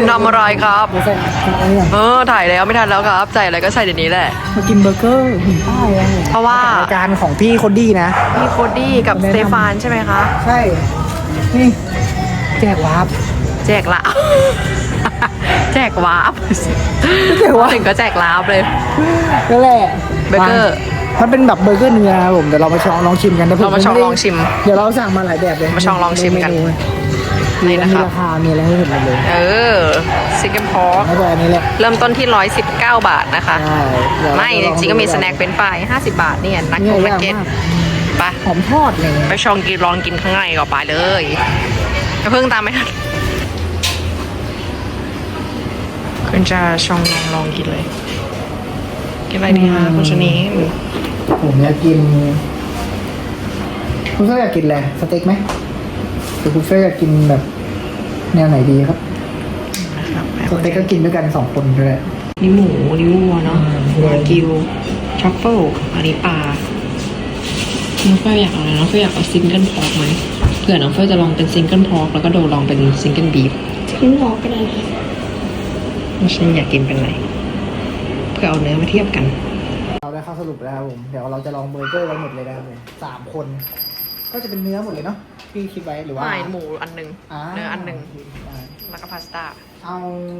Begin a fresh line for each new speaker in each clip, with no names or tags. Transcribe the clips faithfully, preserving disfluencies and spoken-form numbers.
ทำอะไรครับเออถ่ายแล้วไม่ทันแล้วครับใส่อะไรก็ใส่เดี๋ยวนี้แหละ
มากินเบอร์เกอร์หินป้าย
เพราะว่าร
ายการของพี่โคดดี้นะ
พี่โคดดี้กับสเตฟานใช่ไหมคะ
ใช่นี่แจกวาร์ป
แจกละแจกวาร์ปถึงก็แจกลาบเลย
นั่นแหละ
เบอร์เกอร์
มันเป็นแบบเบอร์เกอร์เนื้อครับผมเดี๋ยวเรามาชองลองชิมกันนะ
เรามาชองลองชิม
เดี๋ยวเราสั่งมาหลายแบบเลย
มาชองลองชิมกัน
นี่นะครับมีราคามีอะไรให้เห็นเลย
เออซิกเกิลพอร์กเริ่มต้นที่ร้อยสิบเก้าบาทนะคะไม่จริงๆก็มีสแน็คเป็นฝ่ายห้าสิบบาทเนี่ยนักโกนักเก็ตไป
หอมทอดเลย
ไปชองกินลองกินข้างในก่อนไปเลยอย่าเพิ่งตามไม่ทันคุณจะชองลองลองกินเลยกินอะไรดีคะคุณชนี
ผมอยากกินคุณเฟย์อยากกินอะไรสเต็กไหมหรือคุณเฟย์อยากกินแบบแนวไหนดีครับสเต็กก็กินด้วยกันสองคนด้วย
นี่หมูนี่วัวเนาะวากิวทรัฟเฟิลอันนี้ปลาน้องเฟย์อยากอะไรน้องเฟย์อยากเอาซิงเกิลพอร์กไหมเผื่อน้องเฟย์จะลองเป็นซิงเกิลพอร์กแล้วก็โดลองเป็นซิงเกิลบีฟ
ซิงเกิลพอร์กเป็นอะไร
น้องชนีอยากกินเป็นอะไรเพื่อเอาเนื้อมาเทียบกัน
เราได้ข้อสรุปแล้วครับผมเดี๋ยวเราจะลองเบอร์เกอร์กันหมดเลยนะครับผมสามคนก็จะเป็นเนื้อหมดเลยเนาะพี่คิดไว้หรือว่า
ไม่หมูอันหนึ่งเนื้ออันหนึ่งแล้วก็พาสต้า
เอา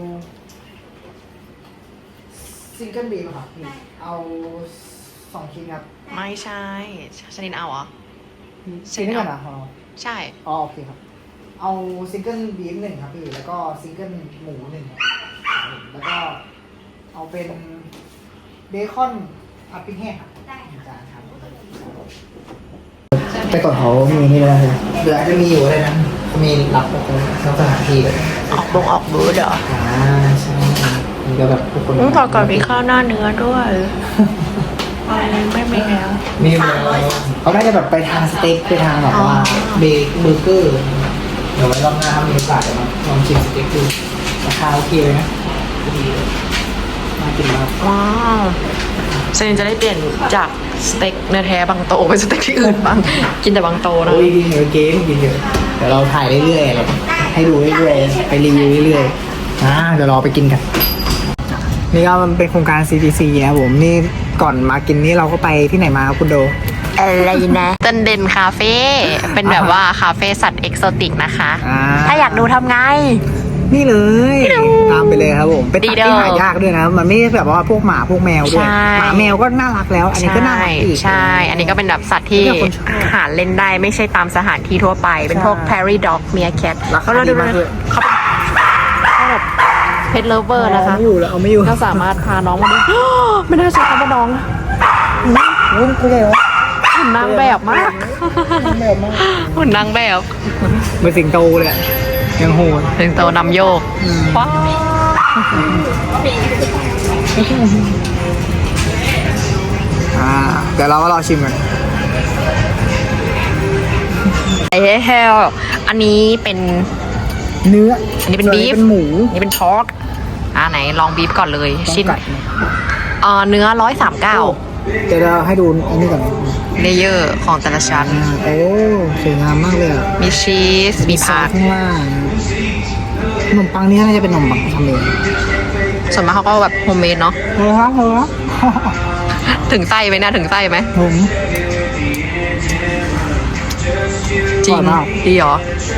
ซิงเกิลบีฟครับเอาสองชิ้นครับ
ไม่ใช่ชนิดเอาเหรอ
ชิ้นนี้ก่อนนะ
ใช่
อ๋อโอเคครับเอาซิงเกิลบีฟหนึ่งครับพี่แล้วก็ซิงเกิลหมูหนึ่งแล้วก็เอาเป็นเบคอนผัดพริกแห้งครับได้จานครับแต่ก่อนเขามีนี่เลยเดี๋ยวอาจจะมีอยู่อะไรนะมีรับสถานที่เลย
ออกบงออกบูธเหรอ
อ่าใช่มีก็แบบทุกคน
ต้องต่อก่อนมีข้าวหน้าเนื้อด้วยไม่ไม่แล้ว
มีเขาได้จะแบบไปทางสเต็กไปทางแบบว่าเบเบอร์เกอร์เดี๋ยวไว้รอบหน้ามีโอกาสจะมาลองชิมสเต็กดูราคาโอเคเลยนะดีเลยมากินมาก
ว้าวเซนจะได้เปลี่ยนจากสเต็กเนื้อแท้บางโตไปสเต็กที่อื่นบ้างกินแต่บางโตนะ
โอ้ยกินเยอะเกมกินเยอะเดี๋ยวเราถ่ายเรื่อยๆเราให้ดูเรื่อยๆไปรีวิวเรื่อยๆอ่าเดี๋ยวรอไปกินกันนี่ก็มันเป็นโครงการ ซี ที ซี นะครับผมนี่ก่อนมากินนี่เราก็ไปที่ไหนมาครับคุณโด
อะไรนะตันเดนคาเฟ่เป็นแบบว่าคาเฟ่สัตว์เอกโซติกนะคะถ้าอยากดูทำไง
นี่เลยตามไปเลยครับผมเป็นสัตว์ที่หายากด้วยนะมันไม่ใช่แบบว่าพวกหมาพวกแมวด้วยหมาแมวก็น่ารักแล้วอันนี้ก็น่ารักอีก
ใช่อันนี้ก็เป็นแบบสัตว์ที่หาเล่นได้ไม่ใช่ตามสถานที่ทั่วไปเป็นพวก Prairie Dog Meerkat
เขาดูมากเลย
เขาแบบเพทเลเวอร์นะคะ
ไม่อยู่แล้วเอาไม่อยู่
ก็สามารถพาน้องมาดูไม่น่าใช่คำว่าน้อง
หุ่นตัวใหญ่เหรอ
หุ่นนางแบบมากหุ่นนางแบบ
เหมือนสิงโตเลยยังโหด
สิงโตนำโยกว้าว
อ่าเดี๋ยวเราก็รอชิมกัน
ไอ้เฮลอันนี้เป็น
เนื้อ
อันนี้เป็นบีฟ
เป็นหมู
อันนี้เป็นพอร์กอ่าไหนลองบีฟก่อนเลยชิ้นอ่าเนื้อร้อยสามเก้า
เดี๋ยวเราให้ดูอันนี้ก่อน
เลเยอร์ของแต่ละชั้น
โอ้สวยงามมากเลย
มีชีสมีผัก
ข้างล่างขนมปังนี่น่าจะเป็นขนมปังทำเอง
ส่วนมากเขาก็แบบโฮมเมดเนาะ
เออครับเออ
ถึงไส้ไหมนะถึงไส้ไหม
ผม
จริงดีเหรอ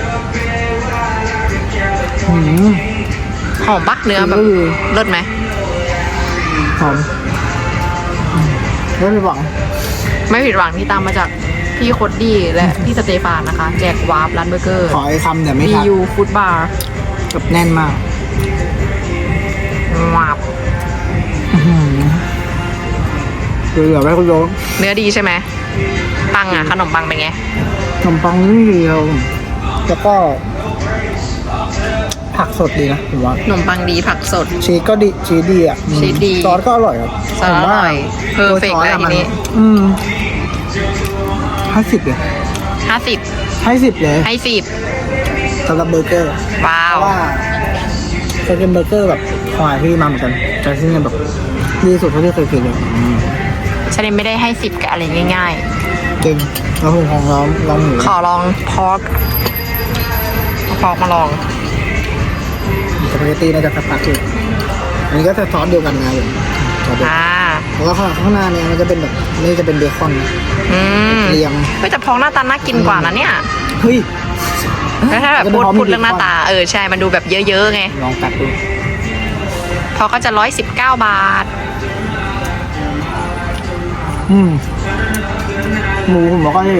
หอมปักเนื้อแบบเลิศไหม
หอมไม่ผิดหวัง
ไม่ผิดหวังที่ตามมาจากพี่โคดดี้และพี่สเตฟานนะคะแจกวาร์ปร้านเบอร์เกอร์
ขอไอ้คำเดี๋ยวไม่ครับ
บี ยู ฟู้ดบาร์
กับแน่นมาก
วาร์ป
เดี๋ยวไว้คุณโย
เนื้อดีใช่ไหมปังอ่ะขนมปังเป็นไง
ขนมปังนี่ดีครับแล้วก็ผักสดดีนะผมว่า
ขนมปังดีผักสด
ชีสก็ดีชีสดีอ่ะ
ชีสดี
ซอสก็อร่อยครับ
ซอสอร่อยเพอร์เฟกต์เลยทีนี้
อืมห้าสิบเลย
ห้าสิบ
ให้สิบเลย
ให้สิบ
สำหรับเบอร์เกอร์
ว้าว
ว่าจะเป็นเบอร์เกอร์แบบควายที่มาเหมือนกันแต่ที่นี่แบบดีสุดเท่าที่เคยกินเลย
ฉันไม่ได้ให้สิบกับอะไรง่าย
ๆจริงแล้วผมของลองลองหมู
ขอลองพอกพอกมาลอง
สปาเกตตี้น่าจะสักพักอยู่อันนี้ก็จะซอสเดียวกันนะผมซอสเดียวกัน
อ่า
แล้วก็ข้างหน้าเนี่ยมันจะเป็นแบบนี่จะเป็นเบคอน
อืม
เรียง
เฮ้ยแต่พองหน้าตาน่ากินกว่านะเนี่ย
เฮ้ย
แล้วถ้าแบบพูดพูดเรื่องหน้าตาเออใช่มันดูแบบเยอะๆไง
ลองกัดดู
พอก็จะร้อยสิบเก้าบาท
อืมหมูผมบอกก็เลย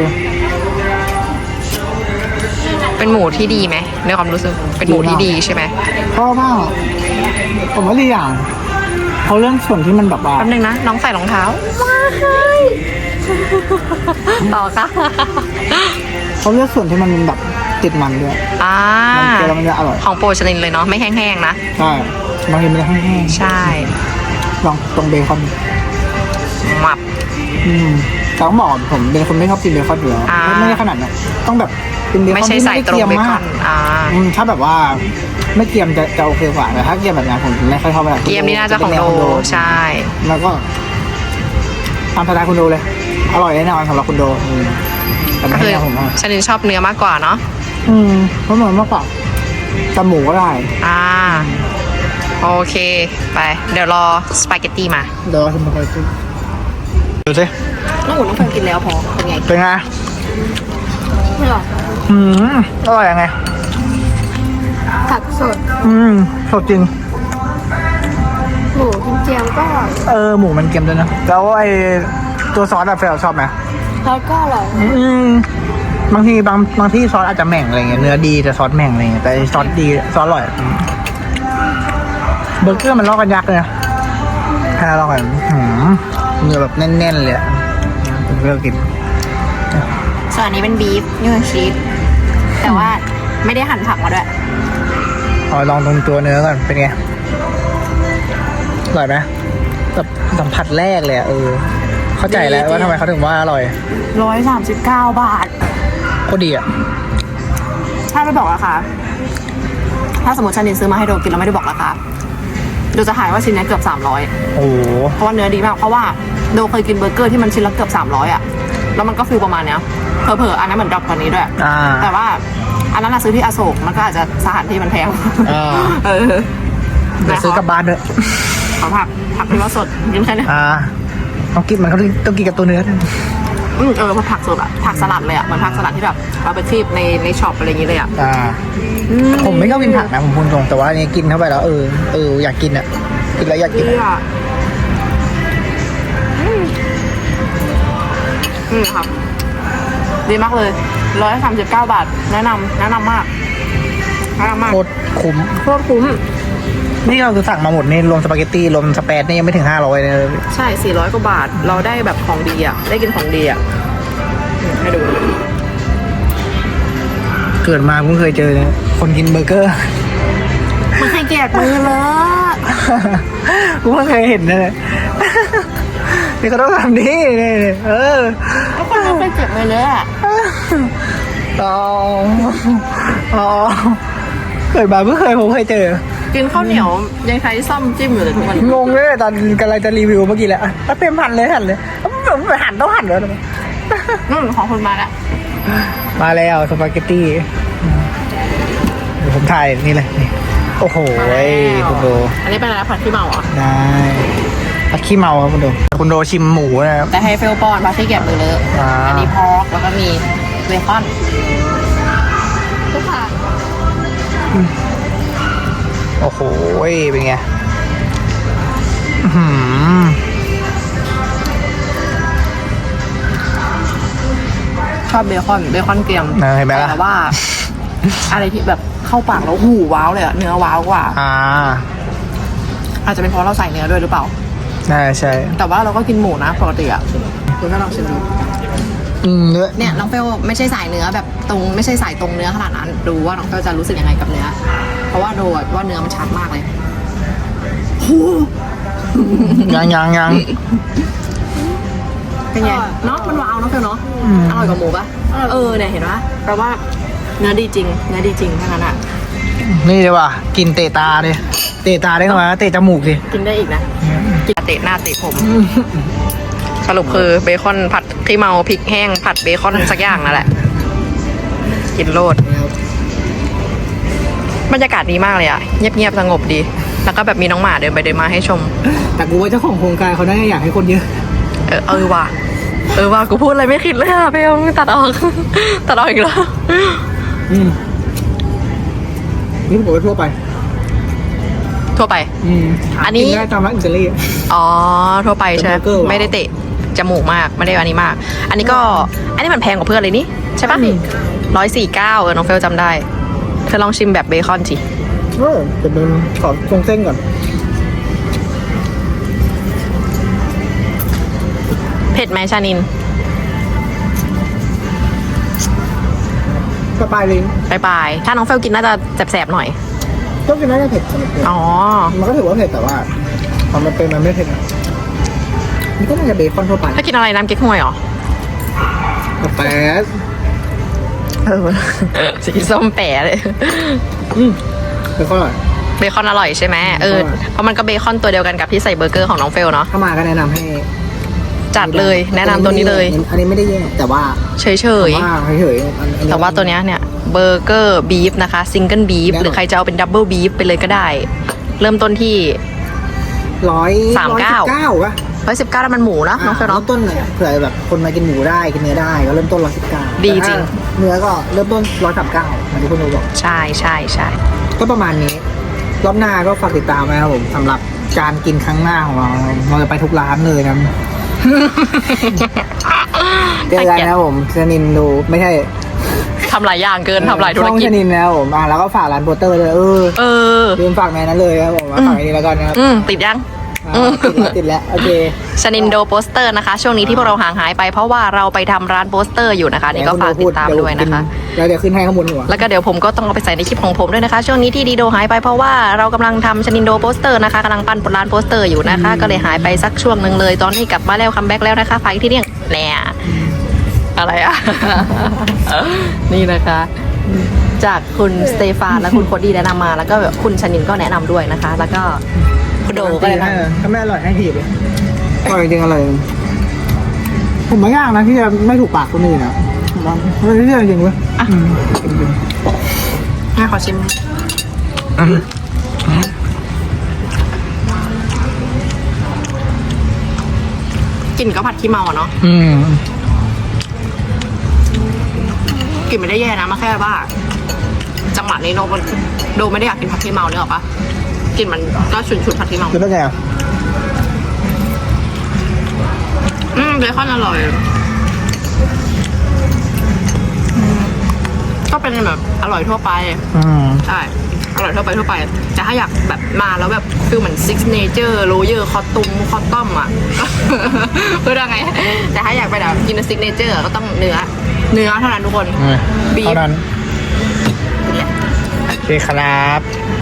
เป็นหมูที่ดีไหมในความรู้สึกเป็นหมูที่ดีใช่ไหม
ชอบมากผมว่าดีอย่างเขาเรื่องส่วนที่มันแบบว่า
แป๊บนึงนะน้องใส่รองเท้าว้ายต่อค่ะ
เขาเลือกส่วนที่มันแบบติดมันด้วย
อ่า
มันเจอแล้วมันจะอร่อย
ของโปรชลินเลยเนาะไม่แห้งๆนะ
ใช่บางทีมันจะแห้ง
ใช่
ๆลองตรงเบคอน
หมับ
อืมแต่ต้องบอกก่อนผมเป็นคนไม่ชอบกินเบคอนอยู่แล้ว
อ่า
ไม่ได้ขนาดนั้นต้องแบบเป็นเบคอน
ไม่ใช่
ที่
ใส่
ไม่
ตรง
เกรียม
เบค
มา
อก นอ่า
อืมถ้าแบบว่าไม่เกรียมจะจะโอเคกว่าแต่ถ้าเกรียมแบบนั้นผมไม่ค่อยชอบแบบ
เกียมนี่น่าจะของโดใช่
แล้วก็ตามสไตล์คุณโดเลย อร่อยแน่นอนสำหรับคุณโดอืมแต่ไม่
ก็
ใช่
คือ
แนวผมอะ
ชลินชอบเนื้อมากกว่าเนาะ
อืมเพราะเหมือนมากกว่าแต่หมูก็ได้
อ่าโอเคไปเดี๋ยวรอสปาเกตตี้มา
เดี๋ยวเราทำไปดูดูสิ
น้องอุ่นน้องเฟิร์นกินแล้วพอเป็นไง
เป็นไง
ไม่หรอก
อืมอร่อยยังไง
ผักสด
อืมสดจริง
หมูกิมเจียมก็อร่อย
เออหมูมันเค็มด้วยนะแล้วไอตัวซอสอะเฟลชอบไหม
แล้วก็อร่อย
อืมบางทีบางบางที่ซอสอาจจะแหม่งอะไรเงี้ยเนื้อดีแต่ซอสแหม่งอะไรเงี้ยแต่ซอสดีซอสอร่อยอืมเบอร์เกอร์มันลอกกันยักษ์เลยนะให้เราลองกันอืมเนื้อแบบแน่นๆเลยอะผมเลือกกิน
ส่วนอันนี้เป็นบีฟนี่คือชีสแต่ว่าไม่ได้หั่นผักมาด้วย
เอาลองตรงตัวเนื้อก่อนเป็นไงอร่อยไหมแบบสัมผัสแรกเลยอะเออ เข้าใจแล้วว่าทำไมเขาถึงว่าอร่อย
ร้อยสามสิบเก้าบาท
โคตรดีอะ
ถ้าไม่บอกราคาถ้าสมมติชานินซื้อมาให้โดกินแล้วไม่ได้บอกราคาโดจะถ่ายว่าชิ้นนี้เกือบสามร้อย
โอ้โห
เพราะว่าเนื้อดีมากเพราะว่าโดเคยกินเบอร์เกอร์ที่มันชิ้นละเกือบสามร้อยอ่ะแล้วมันก็ฟิลประมาณเนี้ยเผลอๆอันนั้นเหมือนดรอปกว่านี้ด้วย
อ่า
แต่ว่าอันนั้นเราซื้อที่อโศกมันก็อาจจะสถานที่มันแพง
อ่า
เออ
เดี๋ยวซื้อกลับบ้านด้วย
ขอผักผักที่ว่าสดยิ้มแค่นี้
อ่าต้องกินมันเขาต้องกินกับตัวเนื้อด้วย
อืมเออผักสดอะผักสลัดเลยอะเหมือนผักสลัดที่แบบเราไปคลีบในในช็อปอะไรอย่างงี้เลยอะ
อ่า ผมไม่ชอบกินผักนะผมพูดตรงแต่ว่าอันนี้กินเข้าไปแล้วเออเอออยากกินอ่ะกินแล้วอยากกิน
ดี
อะ
อะอืมอืมครับ ดีมากเลยร้อยสามสิบเก้าบาท แนะนำแนะนำมากแนะนำมาก
โคตรคุ้ม
โคตรคุ้ม
นี่เราคือสั่งมาหมดนี่รวมสปาเกตตี้รวมสเปซนี่ยังไม่ถึงห้าร้อยเลย
ใช่สี่ร้อยกว่าบาท เราได้แบบของดีอะได้กินของดีอะอืมให้ดู
เกิดมาเพิ่งเคยเจอเนี่ยคนกินเบอร์เกอร์
มันให้เกียรติมือเลย
กูเพิ่งเคยเห็นนะเนี่ยนี่เขาต้องทำนี่นี่นี่เออ
ทุกคนเราไปเจ็บมือเลยอะ
อ๋ออ๋อเกิดมาเพิ่งเคยผมเคยเจอ
กินข้าวเหนียวยังใช้ซ่อมจิ้มอยู่เลยทุกวันนี้
งงเลยตอนกำลังจะรีวิวเมื่อกี้แหละอ่ะเต็มหั่นเลยหั่นเลยผมไปหั่นต้องหั่นเลย
อืมของคุณมาละ
มาแล้วสปาเกตตี้เดี๋ยวผมถ่ายนี่เลยนี่โอ้โหคุณโด
อันนี้เป็นอะไรผัดขี้เมาเหรอ
ได้ผัดขี้เมาครับคุณโดคุณโดชิมหมูนะครับ
แต่ให้เฟลปอนผัดขี้เกียจมือเลอะ
อ่า
อันนี้พอกแล้วก็มีเบคอนทุกค่ะ
โอ้โหเป็นไงอื้อหือ
ชอบเบคอนเบคอนเกรียม
นะเห็นไหมล่ะ
แต่ว่า อะไรที่แบบเข้าปากแล้วหูว้าวเลยอะเนื้อว้าวกว่า
อ่า
อาจจะเป็นเพราะเราใส่เนื้อด้วยหรือเปล่า
น่าใช่
แต่ว่าเราก็กินหมูนะปกติอะคุณก็ลองชิมดู
อืมเนื้อ
เนี่ยน้องเฟลไม่ใช่สายเนื้อแบบตรงไม่ใช่สายตรงเนื้อขนาดนั้นดูว่าน้องเฟลจะรู้สึกยังไงกับเนื้อ เพราะว่าดูอะว่าเนื้อมันชัดมากเลย
ยังยังยัง
เป็นไงเนาะมันว้าวเนาะเฟลเนาะ
อืม
อร่อยกว่าหมูปะเออเนี่ยเห็นปะแปลว่าเนื้อดีจริงเนื้อดีจริงแค่นั้นอะ
นี่เลยว่ะกินเตะตาดิเตะตาได้ไหมเตะจมูกดิ
กินได้อีกนะกินเตะหน้าเตะผม สรุปคือเบคอนผัดขี้เมาพริกแห้งผัดเบคอนสักอย่างนั่นแหละ กินโลดบรรยากาศดีมากเลยอะเงียบๆสงบดี แล้วก็แบบมีน้องหมาเดินไปเดินมาให้ชม
แต่กูว่าเจ้าของโครงการเขาน่าจะอยากให้คนเยอะ
เออเออว่ะเออว่ะกูพูดอะไรไม่คิดเลยอะเบลตัดออก ตัดออกอีกแล้ว
อืมนี่ผมก็ทั่วไป
ทั่วไป
อืม
อันนี้
กิได้ตามร้านอิตาลี
อ๋อทั่วไปใช่ไหม
เป็นเบอร์เกอร์ว่ะ
ไม่ได้เตะจมูกมากไม่ได้อันนี้มาก อันนี้ก็อันนี้มันแพงกว่าเพื่อนเลยนี่ใช่ปะ
อืม
ร้อยสี่เก้าเออน้องเฟลจำได้เธอลองชิมแบบเบคอนสิ
เออจะเป็นขอตรงเส้นก่อน
เผ็ดไหมชานิน
สปายลิง
ไปไปถ้าน้องเฟลกินน่าจะแสบๆหน่อย
ต้องกินน่าจะเผ็ดสำหรับผม
อ๋อ
มันก็ถือว่าเผ็ดแต่ว่าพอมันเป็นมันไม่เผ็ดนะนี่ก็น่าจะเบคอนทั่วไป
ถ้ากินอะไรน้ำเก๊กฮวยเหรอ
แต่
เออ สีส้มแป๋เลย
อืมเบคอนอร่อย
เบคอนอร่อยใช่ไหมเออ
อร่อย
เพราะมันก็เบคอนตัวเดียวกันกับที่ใส่เบอร์เกอร์ของน้องเฟลเนาะ
ถ้ามาก็แนะนำให้
จัดเลยแนะนำตัวนี้เลย
อันนี้ไม่ได้แย่แต่ว่า
เฉย
ว่าเฉยๆอันอัน
ๆ แต่ว่าตัวเนี้ยเนี่ยเบอร์เกอร์บีฟนะคะซิงเกิลบีฟ
แน่นอน
หรือใครจะเอาเป็นดับเบิลบีฟไปเลยก็ได้ เริ่มต้นที่
ร้อย
สามเก้า
เก้าป่ะ
ร้อยสิบเก้าแล้วมันหมูเนาะน้องเฟล
เริ่
เนาะ
มต้นเนี่ยเผื่อแบบคนมากินหมูได้กินเนื้อได้ก็เริ่มต้นร้อยสิบเก้า
ดีจริง
เนื้อก็เริ่มต้นร้อยสามเก้าเหมือนที่คุณโนบอก
ใช่ใช่ใช่
ก็ประมาณนี้ รอบหน้าก็ฝากติดตามนะครับผมสำหรับการกินครั้งหน้าของเราเราจะไปทุกร้านเลยนะเจอกันนะครับผมชนินดูไม่ใช่
ทำหลายอย่างเกินทำหลายธุร
ช่อง
กิ
ช
จ
นินนะครับผมอ่ะแล้วก็ฝากร้านโปสเตอร์เลยเออ
เออ
ลืมฝากในนั้นเลยครับผมมาฝากในนี้แล้วกันนะครับ
อืมติดยัง
อ่าติดแล้วติดแล้วโอเค
ชนินโดโปสเตอร์นะคะ ช่วงนี้ที่พวกเราห่างหายไปเพราะว่าเราไปทำร้านโปสเตอร์อยู่นะคะนี่ก็ฝากติดตามด้วยนะคะ
แล้วเดี๋ยวขึ้นให้ข้างบนหัว
แล้วก็เดี๋ยวผมก็ต้องเอาไปใส่ในคลิปของผมด้วยนะคะ ช่วงนี้ที่ดีโดหายไปเพราะว่าเรากำลังทำชนินโดโปสเตอร์นะคะกำลังปั้นร้านโปสเตอร์อยู่นะคะ ก็เลยหายไปสักช่วงหนึ่งเลย ตอนนี้กลับมาแล้วคัมแบ็กแล้วนะคะฝากอีกที่เนี่ยแหน่อะไรอะ นี่นะคะ จากคุณสเตฟานและคุณโคดี้แนะนำมา แล้วก็คุณชนินก็แนะนำด้วยนะคะ แล้วก็คุณโดก็แนะนำ
ถ้าไม่อร่อยให้ถีบเลยอร่อยจริงๆอร่อยผมไม่ยากนะที่จะไม่ถูกปากคนอื่นนะมันไม่ใช่จริงเว้ย
อ่ะ
อืมจริง
ให้ขอชิม กลิ่นก็ผัดขี้เมาอะเนาะ
ๆอืม
กลิ่นไม่ได้แย่นะมาแค่ว่า จังหวะนี้โดมันโดไม่ได้อยากกินผัดขี้เมาเนี่ยหรอปะกลิ่นมันก็ฉุนฉุนๆผัดขี้เมา
แล้วเป็นไงอ่ะ
อืมเบคอนอร่อยอืมก็เป็นแบบอร่อยทั่วไป
อืม
ใช่ อร่อยทั่วไปทั่วไปแต่ถ้าอยากแบบมาแล้วแบบฟิลเหมือนซิกเนเจอร์โรเยอร์คอตตุมคอตตอมอ่ะ เพื่อไง แต่ถ้าอยากไปแบบกินซิกเนเจอร์ก็ต้องเนื้อ เนื้อเท่านั้นทุกคน บีฟ
เท่านั้นโอเคครับ